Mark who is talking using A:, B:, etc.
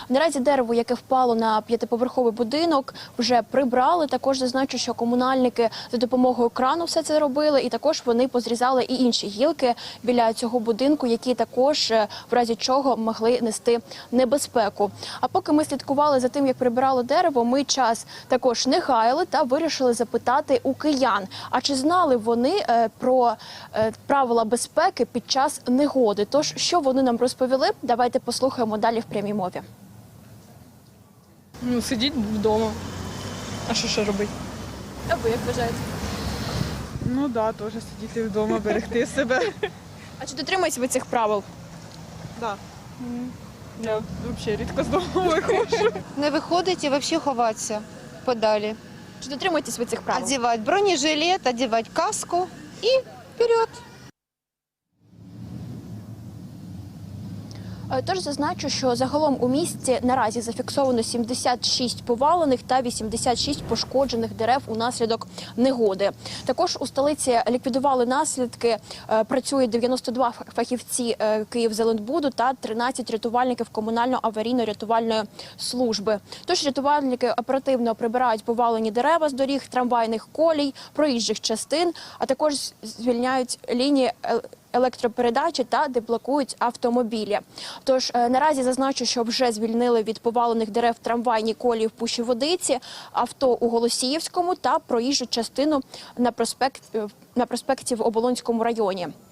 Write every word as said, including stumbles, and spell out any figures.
A: Наразі дерево, яке впало на п'ятиповерховий будинок, вже прибрали. Також зазначу, що комунальники за допомогою крану все це робили, і також вони позрізали і інші гілки біля цього будинку, які також в разі чого могли нести небезпеку. А поки ми слідкували за тим, як прибирали дерево, ми час також не гаяли та вирішили запитати у киян, а чи знали вони е, про е, правила безпеки під час негоди. Тож, що вони нам розповіли, давайте послухаємо далі в прямій мові.
B: Ну, сидіть вдома. А що ще робити?
A: А ви як вважаєте?
B: Ну так, да, теж сидіти вдома, берегти себе.
A: А чи дотримуєтесь ви цих правил?
B: Так. Да. Я взагалі рідко з дому виходжу.
C: Не виходить і взагалі ховатися подалі.
A: Чи дотримуєтесь ви цих правил?
C: Одягати бронежилет, одягати каску і вперед.
A: Тож зазначу, що загалом у місті наразі зафіксовано сімдесят шість повалених та вісімдесят шість пошкоджених дерев унаслідок негоди. Також у столиці ліквідували наслідки, працює дев'яносто два фахівці Київзеленбуду та тринадцять рятувальників комунально-аварійно-рятувальної служби. Тож рятувальники оперативно прибирають повалені дерева з доріг, трамвайних колій, проїжджих частин, а також звільняють лінії електропередачі та деблокують автомобілі. Тож наразі зазначу, що вже звільнили від повалених дерев трамвайні колії в Пущі-Водиці, авто у Голосіївському та проїжджу частину на проспект на проспекті в Оболонському районі.